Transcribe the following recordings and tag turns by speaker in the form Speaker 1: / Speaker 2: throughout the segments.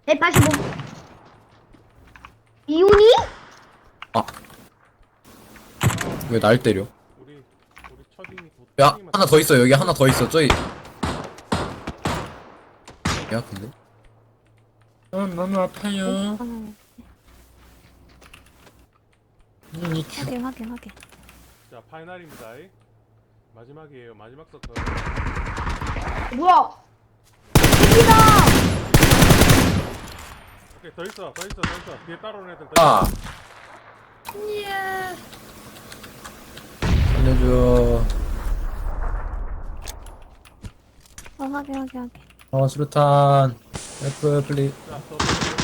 Speaker 1: 185. 이온이?
Speaker 2: 아. 왜 날 때려?
Speaker 3: 우리 첫인이
Speaker 2: 야, 하나 더 있어. 여기 하나 더 있어. 저기. 야, 근데? 너무 아파요.
Speaker 4: 확인.
Speaker 3: 자, 파이널입니다. 마지막이에요. 마지막 서클.
Speaker 1: 뭐야? 이기다!
Speaker 3: 오케이, 더 있어. 뒤에 따라오는 애들 더
Speaker 2: 아.
Speaker 3: 있어.
Speaker 2: 살려줘.
Speaker 4: 확인.
Speaker 2: 수류탄. F, 플리.
Speaker 3: 자, 더.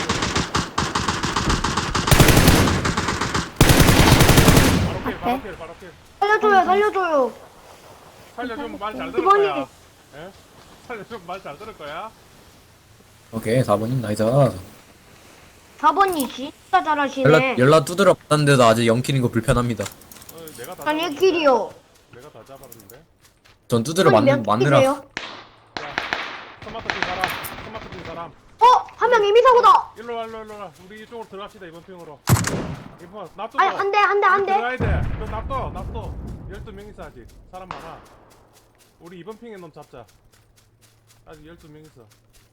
Speaker 3: 바로 킬.
Speaker 1: 살려줘요.
Speaker 3: 살려주면 말 잘 들을
Speaker 1: 그만해.
Speaker 3: 거야. 예? 살려주면 말 잘 들을 거야.
Speaker 2: 오케이, 4번님 나이스.
Speaker 1: 4번이 진짜 잘하시네.
Speaker 2: 연락 두드려 봤는데도 아직 0킬인 거 불편합니다.
Speaker 3: 내가 다
Speaker 1: 난
Speaker 3: 잡았는데?
Speaker 1: 1킬이요.
Speaker 3: 내가 다 잡았는데.
Speaker 2: 전 두드려
Speaker 1: 몇
Speaker 2: 맞느라.
Speaker 1: 킬이세요?
Speaker 3: 자, 토마토 핀 사람.
Speaker 1: 한 명 이미 사고다.
Speaker 3: 일로 와. 우리 이쪽으로 들어갑시다. 이번 핑으로. 이번 납도.
Speaker 1: 아니, 한 대.
Speaker 3: 들어가야 돼. 너 납도. 12명 있어 아직. 사람 많아. 우리 이번 핑에 놈 잡자. 아직 12명 있어.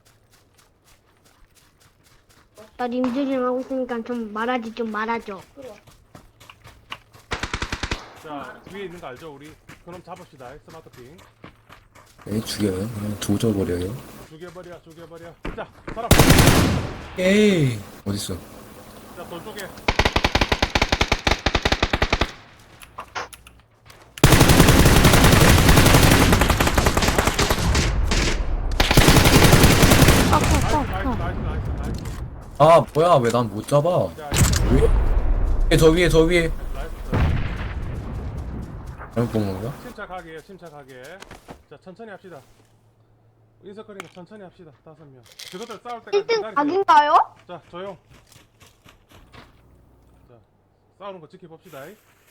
Speaker 1: 나 님들이랑 하고 있으니까 좀 말하죠.
Speaker 3: 자, 위에 있는 거 알죠? 우리 그놈 잡읍시다. 스마트 핑.
Speaker 2: 네, 죽여요. 그냥 조져버려요.
Speaker 3: 죽여버려. 자, 사람.
Speaker 2: 에이. 어딨어?
Speaker 3: 자, 돌 쪽에. 나이스.
Speaker 2: 아, 뭐야. 왜 난 못 잡아?
Speaker 3: 자,
Speaker 2: 저 위에.
Speaker 3: 나이스.
Speaker 2: 잘못 본 건가?
Speaker 3: 침착하게. 자, 천천히 합시다. 인서클이니까 천천히 합시다. 5명. 그것들 싸울 때까지
Speaker 1: 1등
Speaker 3: 기다리세요.
Speaker 1: 각인가요?
Speaker 3: 자, 조용. 자, 싸우는 거 지켜봅시다.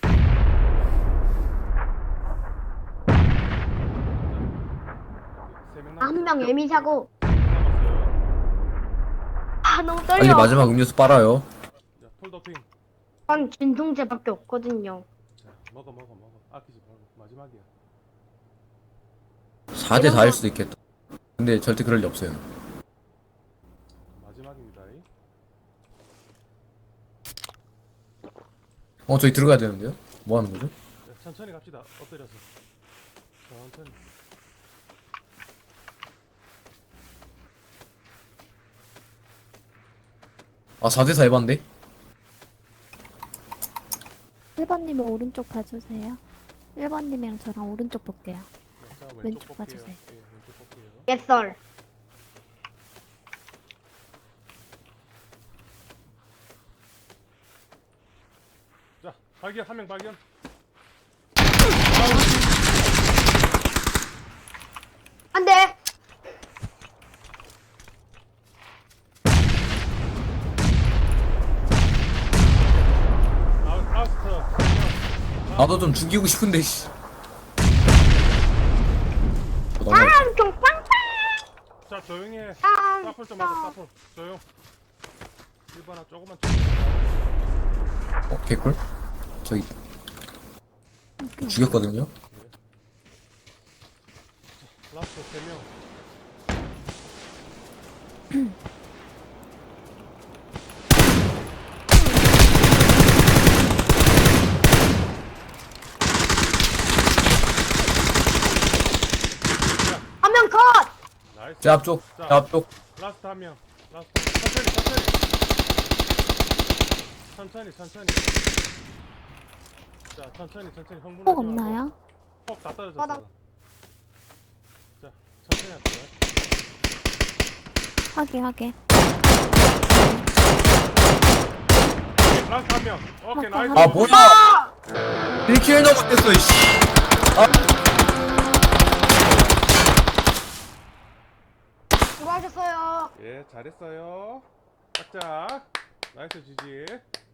Speaker 1: 한 명 에미 사고.
Speaker 3: 남았어요.
Speaker 1: 너무
Speaker 2: 빨리
Speaker 1: 떨려.
Speaker 2: 마지막 음료수 빨아요.
Speaker 3: 자, 폴더핑.
Speaker 1: 전 진통제밖에 없거든요.
Speaker 3: 자, 먹어. 아끼지 말고. 마지막이야.
Speaker 2: 4대 4일 수도 있겠다. 근데 절대 그럴 리 없어요.
Speaker 3: 마지막입니다.
Speaker 2: 저기 들어가야 되는데요? 뭐 하는 거죠?
Speaker 3: 자, 천천히 갑시다. 엎드려서. 천천히.
Speaker 2: 아, 4대 4 해봤는데?
Speaker 4: 1번님은 오른쪽 봐주세요. 1번님이랑 저랑 오른쪽 볼게요.
Speaker 3: 자,
Speaker 4: 왼쪽
Speaker 3: 볼게요.
Speaker 4: 봐주세요.
Speaker 3: 예, 왼쪽 볼게요.
Speaker 1: 예썰.
Speaker 3: 자, 발견. 한 명 발견.
Speaker 1: 안 돼.
Speaker 3: 라스트.
Speaker 2: 나도 좀 죽이고 싶은데, 씨. 너무
Speaker 1: 좀 빵빵.
Speaker 3: 자, 조용히 해.
Speaker 1: 아,
Speaker 3: 사풀 좀 하자. 사풀. 조용. 1번아 조금만.
Speaker 2: 개꿀? 저기 죽였거든요?
Speaker 3: 라스트 3명.
Speaker 1: 한 명 컷.
Speaker 3: 나이스.
Speaker 2: 제 앞쪽, 제 앞쪽.
Speaker 3: 라스트 한 명. 라스트. 천천히. 자, 천천히. 흥분하지
Speaker 4: 폭
Speaker 3: 말고.
Speaker 4: 없나요?
Speaker 3: 폭다 떨어졌어.
Speaker 1: 바닥.
Speaker 3: 자, 천천히 할게요.
Speaker 4: 확인.
Speaker 3: 라스트 한 명. 오케이, 나이스.
Speaker 2: 아, 뭐야! 1킬도 못했어, 이씨.
Speaker 1: 수고하셨어요.
Speaker 3: 예, 잘했어요. 짝짝. 나이스 지지.